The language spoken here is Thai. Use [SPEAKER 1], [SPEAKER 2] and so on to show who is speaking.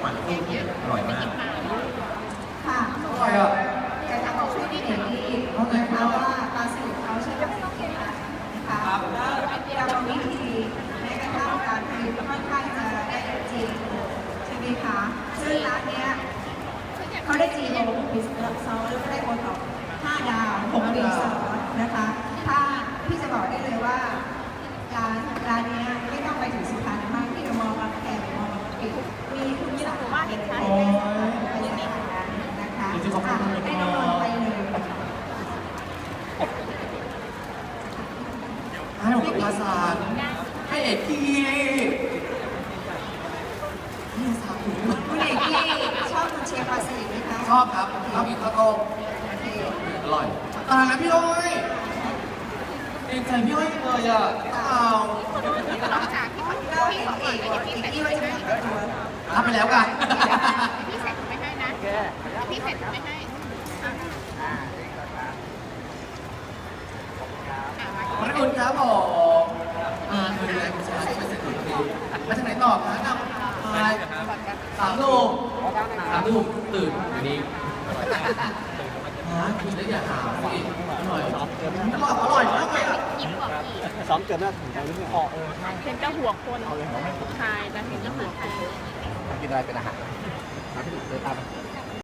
[SPEAKER 1] มันกุ้งอร่อยมาก
[SPEAKER 2] ค่ะ
[SPEAKER 1] อร่อยอ่ะ
[SPEAKER 2] แต่ถ้าบอกช่วยที่เห็นดีนะคะว่าปลาสลิดเขาใช้วัตถุดิบอะไรนะคะกรรมวิธีแม้กระทั่งการผลิตค่อนข้างจะได้จริงใช่ไหมคะซึ่งร้านเนี้ยเขาได้จีโอบิสเนสซอสแล้วก็ได้โอท็อป5 ดาว6 ปีซ้อนนะคะถ้าพี่จะบอกได้เลยว่าร้านนี้ไม่ต้องไปถึงสุพรรณมากที่มอบางแคมอบางปีมีคุณสามารถเห็นชัดเลยนะคะให้น้องๆไปเลย
[SPEAKER 1] ให้ผมกับภาษาให้เอกกี้นี่สาธุ
[SPEAKER 2] คุณเอกกี้ชอบคุณเชียร์ปลาสลิดไหมคะ
[SPEAKER 1] ชอบครับชอบกินข้าวต้มอร่อยตายแล้วพี่อ้อยเองใจพี่อ้อยเลยอ่ะเอา
[SPEAKER 2] ก็เห็นเอกกี้ว่าจะมีตัว
[SPEAKER 1] รับไปแล้วกัน
[SPEAKER 3] พี่เสร็จไม่ให้นะพี่เสร็จไม่ให้
[SPEAKER 1] ขอบคุณครับผมคืออะไรคุณชายช่วยเสร็จหน่อยทีมาจากไหนต่อคะนำไป3 ทุ่ม3 ทุ่มตื่นอันนี้กินแล้วอย่าหาสิอร่อยอร่อยมากเลยอ่ะ
[SPEAKER 3] ยิ้มกว่าพี่
[SPEAKER 4] ซ้อมเกินน่าถึงใจหรือเปล่า
[SPEAKER 3] เห็นเจ้าหัวคนชายแต่เห็นเจ้าหัวคน
[SPEAKER 4] กินอะไรเป็นอาหารมาที่เดินตาม